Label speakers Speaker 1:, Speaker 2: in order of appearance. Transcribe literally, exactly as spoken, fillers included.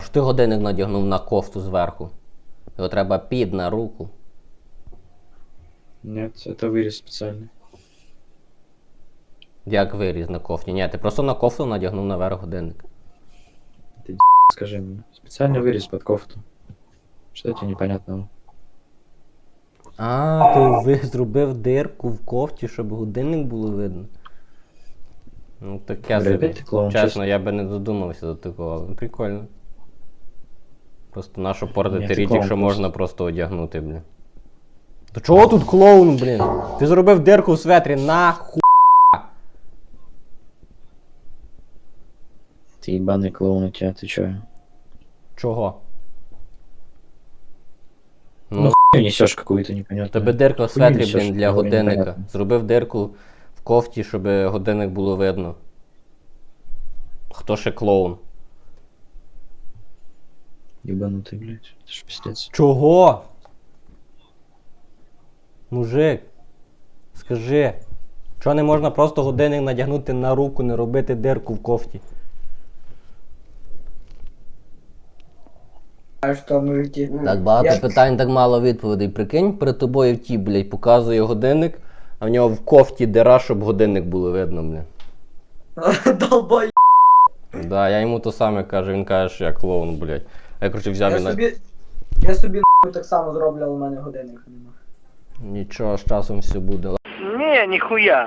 Speaker 1: що ти годинник надягнув на кофту зверху? Його треба під на руку.
Speaker 2: Нет, это вырез специальный.
Speaker 1: Як виріз на кофті? Ні, ти просто на кофту надягнув наверх годинник.
Speaker 2: Скажи мне. Специальный вырез под кофту. Что тебе непонятного?
Speaker 1: А, ти ви зробив дирку в кофті, щоб годинник було видно. Ну таке
Speaker 2: Бля,
Speaker 1: собі.
Speaker 2: опять ты клоун,
Speaker 1: Чесно,
Speaker 2: честно.
Speaker 1: я би не додумався до такого. Ну, прикольно. Просто нащо
Speaker 2: Ні,
Speaker 1: портити
Speaker 2: ти
Speaker 1: річ,
Speaker 2: клоун
Speaker 1: якщо
Speaker 2: просто.
Speaker 1: можна просто одягнути, блін. То чого тут клоун, блін? Ти зробив дирку в светрі, нахуй.
Speaker 2: Ты ебаный клоун у тебя, ты чё?
Speaker 1: Чого?
Speaker 2: Ну,
Speaker 1: Ну,
Speaker 2: хуй несешь какую-то непонятную.
Speaker 1: тебе дирка в
Speaker 2: Хуйню
Speaker 1: светрі,
Speaker 2: несеш,
Speaker 1: блін, для
Speaker 2: говорю,
Speaker 1: годинника.
Speaker 2: непонятно.
Speaker 1: Зробив дирку в кофті, щоб годинник було видно. Хто ще клоун?
Speaker 2: Ебанутый, блядь. Это ж пиздец.
Speaker 1: Чого? Мужик, скажи, чого не можна просто годинник надягнути на руку, не робити дирку в кофті?
Speaker 3: А що, мужики?
Speaker 1: Так багато
Speaker 3: Я-
Speaker 1: питань, так мало відповідей. Прикинь, перед тобою ті, блядь, показує годинник, а в нього в кофті дира, щоб годинник було видно, блядь.
Speaker 3: Долбой.
Speaker 1: Да, я йому то саме кажу, він каже, що я клоун, блядь. А я, короче, взяв
Speaker 3: Я
Speaker 1: і на...
Speaker 3: собі, я собі нахуй так само зроблю, але в мене годинник нема.
Speaker 1: Нічого, з часом все буде.
Speaker 4: Не, нихуя.